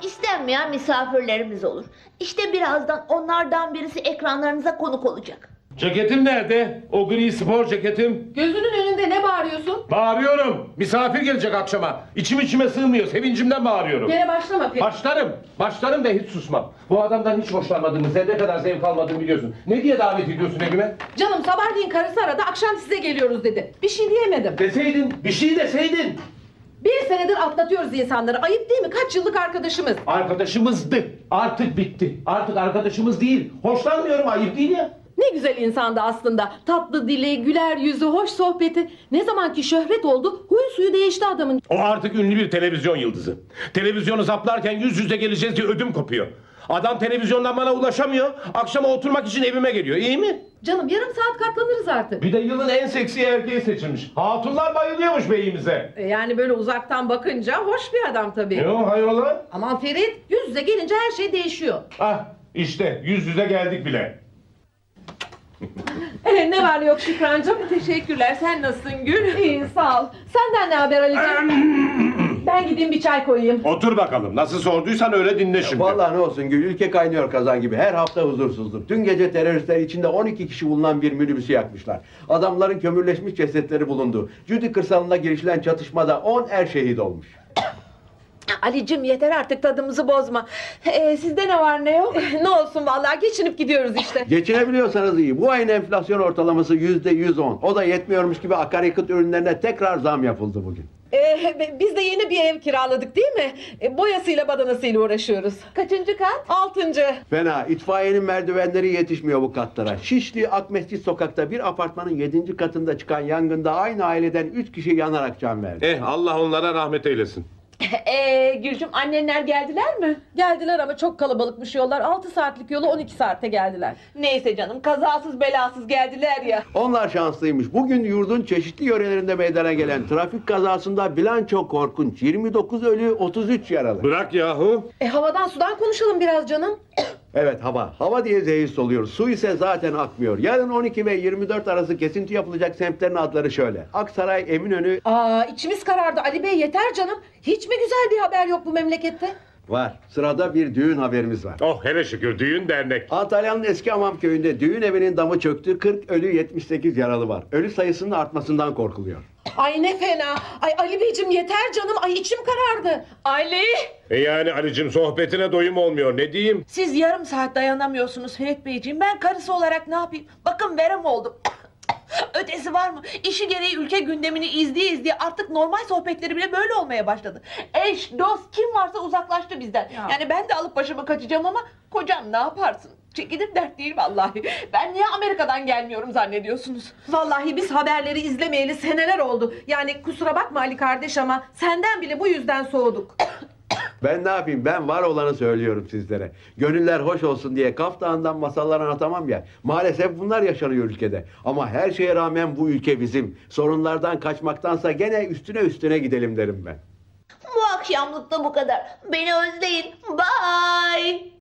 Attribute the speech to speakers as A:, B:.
A: istenmeyen misafirlerimiz olur. İşte birazdan onlardan birisi ekranlarınıza konuk olacak.
B: Ceketim nerede? O gri spor ceketim.
C: Gözünün önünde ne bağırıyorsun?
B: Bağırıyorum. Misafir gelecek akşama. İçim içime sığmıyor. Sevincimden bağırıyorum.
C: Gene başlama Ferit.
B: Başlarım da hiç susmam. Bu adamdan hiç hoşlanmadığımı, zerre kadar zevk almadığımı biliyorsun. Ne diye davet ediyorsun evime?
C: Canım sabahleyin karısı aradı, akşam size geliyoruz dedi. Bir şey diyemedim.
B: Deseydin, bir şey deseydin.
C: Bir senedir atlatıyoruz insanları. Ayıp değil mi? Kaç yıllık arkadaşımız.
B: Arkadaşımızdı. Artık bitti. Artık arkadaşımız değil. Hoşlanmıyorum, ayıp değil ya.
C: Ne güzel insandı aslında. Tatlı dili, güler yüzü, hoş sohbeti. Ne zamanki şöhret oldu, huyu suyu değişti adamın.
B: O artık ünlü bir televizyon yıldızı. Televizyonu zaplarken yüz yüze geleceğiz diye ödüm kopuyor. Adam televizyondan bana ulaşamıyor. Akşama oturmak için evime geliyor. İyi mi?
C: Canım yarım saat katlanırız artık.
B: Bir de yılın en seksi erkeği seçilmiş. Hatunlar bayılıyormuş beyimize.
C: Yani böyle uzaktan bakınca hoş bir adam tabii.
B: Ne o hayrola?
C: Aman Ferit, yüz yüze gelince her şey değişiyor.
B: Ah işte yüz yüze geldik bile.
C: Ne var yok Şükrancığım? Teşekkürler. Sen nasılsın Gül? İyi sağ ol. Senden ne haber Ali'ciğim? Ben gideyim bir çay koyayım.
B: Otur bakalım. Nasıl sorduysan öyle dinle şimdi.
D: Vallahi ne olsun Gül, ülke kaynıyor kazan gibi. Her hafta huzursuzluk. Dün gece teröristler içinde 12 kişi bulunan bir minibüsü yakmışlar. Adamların kömürleşmiş cesetleri bulundu. Cudi kırsalında girişilen çatışmada 10 er şehit olmuş.
C: Ali'cim yeter artık tadımızı bozma. Sizde ne var ne yok? Ne olsun vallahi geçinip gidiyoruz işte.
D: Geçinebiliyorsanız iyi. Bu ayın enflasyon ortalaması %110. O da yetmiyormuş gibi akaryakıt ürünlerine tekrar zam yapıldı bugün.
C: Biz de yeni bir ev kiraladık değil mi? Boyasıyla badanasıyla uğraşıyoruz. Kaçıncı kat? 6.
D: Fena. İtfaiyenin merdivenleri yetişmiyor bu katlara. Şişli Akmescit sokakta bir apartmanın 7. katında çıkan yangında aynı aileden 3 kişi yanarak can verdi.
B: Allah onlara rahmet eylesin.
C: Gülcüm annenler geldiler mi? Geldiler ama çok kalabalıkmış yollar. 6 saatlik yolu 12 saatte geldiler. Neyse canım kazasız belasız geldiler ya.
D: Onlar şanslıymış. Bugün yurdun çeşitli yörelerinde meydana gelen trafik kazasında bilanço korkunç. 29 ölü, 33 yaralı.
B: Bırak yahu.
C: Havadan sudan konuşalım biraz canım.
D: Evet hava. Hava diye zehir soluyor. Su ise zaten akmıyor. Yarın 12 ve 24 arası kesinti yapılacak semtlerin adları şöyle: Aksaray, Eminönü...
C: İçimiz karardı Ali Bey yeter canım. Hiç mi güzel bir haber yok bu memlekette?
D: Var. Sırada bir düğün haberimiz var.
B: Oh hele şükür düğün dernek.
D: Antalya'nın Eski Hamam köyünde düğün evinin damı çöktü. 40 ölü, 78 yaralı var. Ölü sayısının artmasından korkuluyor.
C: Ay ne fena. Ay Ali Beyciğim yeter canım. Ay içim karardı. Ali!
B: Yani Ali'cim sohbetine doyum olmuyor. Ne diyeyim?
E: Siz yarım saat dayanamıyorsunuz Ferit Beyciğim. Ben karısı olarak ne yapayım? Bakın verem oldum. Ötesi var mı? İşi gereği ülke gündemini izleye artık normal sohbetleri bile böyle olmaya başladı. Eş, dost kim varsa uzaklaştı bizden.
C: Ya.
E: Yani ben de alıp başımı kaçacağım ama kocam ne yaparsın? Çekilir dert değil vallahi. Ben niye Amerika'dan gelmiyorum zannediyorsunuz?
C: Vallahi biz haberleri izlemeyeli seneler oldu. Yani kusura bakma Ali kardeş ama senden bile bu yüzden soğuduk.
D: Ben ne yapayım? Ben var olanı söylüyorum sizlere. Gönüller hoş olsun diye Kaf Dağı'ndan masallar anlatamam ya. Maalesef bunlar yaşanıyor ülkede. Ama her şeye rağmen bu ülke bizim. Sorunlardan kaçmaktansa gene üstüne gidelim derim ben.
A: Bu akşamlık da bu kadar. Beni özleyin. Bye.